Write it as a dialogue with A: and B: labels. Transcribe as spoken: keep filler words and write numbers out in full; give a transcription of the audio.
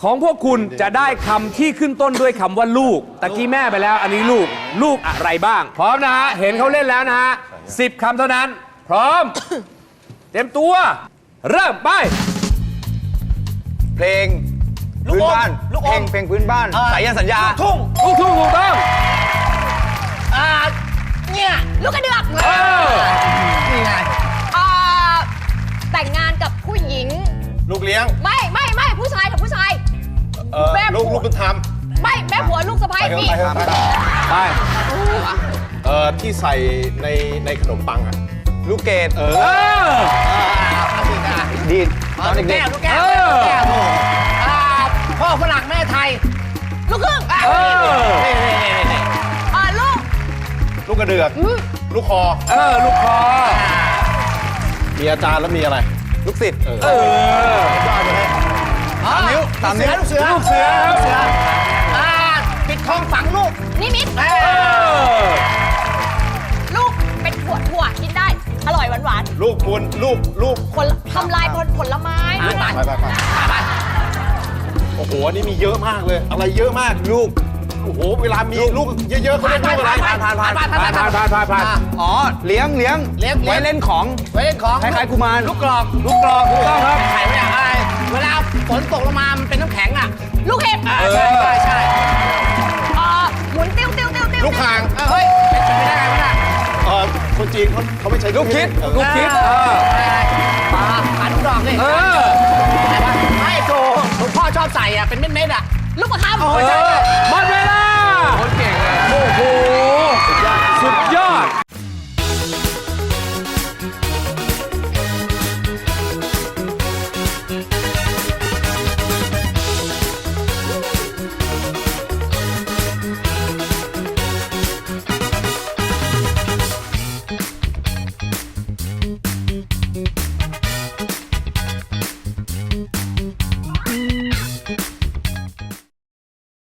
A: ของพวกคุณจะได้คำที่ขึ้นต้นด้วยคำว่าลูกตะกี้แม่ไปแล้วอันนี้ลูกลูกอะไรบ้าง พร้อมนะฮะเห็นเขาเล่นแล้วนะฮะสิบคำเท่านั้น พร้อม เตรียมตัว เริ่มไป
B: เพลงพื้นบ้านเพลงเพลงพื้นบ้านสายสัญญาทุ่ง
A: ลูกทุ่งถูกต้อง
C: อ่าเนี่ยลูกกระเดือก
A: เออ
B: นี่ไง
C: อ่าแต่งงานกับผู้หญิง
D: ลูกเลี้ยง
C: ไม่ไม่ไม่ผู้ชายกับผู้ชาย
D: เออ
C: แม่
D: ลูกลูกบุญธรรม
C: ไม่แม่ผัวลูกสะใภ้
D: ไปเถอะ
C: นี่
D: ไปเถอะไปเถอะ
A: ไป
D: เออที่ใส่ในในขนมปังอ่ะ
B: ลูกเกด
D: เอ
A: เอ
D: อ
A: อ
B: ดีดตอนเด็ก
C: ลูกแก้ว
A: เออ
C: ลูกแก้วอ่าพ่อฝรั่งแม่ไทย ลูกครึ่ง
A: เออ
C: อ่าลูก
D: ลูกกระเดือกลูกคอ
A: เออ ลูกคอ
D: มีอาจารย์แล้วมีอะไร
B: ๆลูกศิษย์
D: เออ
A: เออ
D: ยอดเลย
C: สามนิ้ว
D: สามนิ้ว
C: ลูกเสือ
A: ลูกเสือครับ
C: เสืออ่าปิดทองฝังลูกนิมิต
A: เออ
C: ลูกเป็นถั่วถั่วกินได้ อร่อยหวานหวาน
D: ลูกคุณลูกลูก
C: ผลทำลายผลผลไม้
D: ไปไปไปโอ้โหอันนี้มีเยอะมากเลย อะไรเยอะมากลูกโอ้โหเวลามีลูกเยอะๆเขาเรียกลูกอะไร
B: ผ่านผ่านผ่าน
C: ผ่านผ่าน
A: ผ่านผ่านผ่านผ่าน
B: อ๋อเลี้ยงเลี้ยง
C: เลี้ยง
B: ไว้เล่นของ
C: ไว้เล่นของ
B: คล้ายๆกุมาร
C: ลูกกรอก
A: ลูกกรอกถูกต้องครับ
C: ไข่ไม่อยากอะไรเวลาฝนตกลงมามันเป็นน้ำแข็งอ่ะ ลูกเห็บอ่า
A: เออ
C: ใช่ใช่ใช่อ่าหมุนติ้วติ้วติ้วติ้ว
D: ลูกคาง
C: เออเฮ้ยเป็นไปได้ไงวะเนี่ย
D: เออคนจีนเขาเขาไม่ใช้
B: ลูกคิด
D: เออ
A: ลูกคิดเออ
C: ปลาขาลูกดอกนี่
A: เออ
C: อะไรวะไม่โจหลวงพ่อชอบใส่อ่ะเป็นเม็ดๆอ่ะลูกประคำ
A: เออหมดเว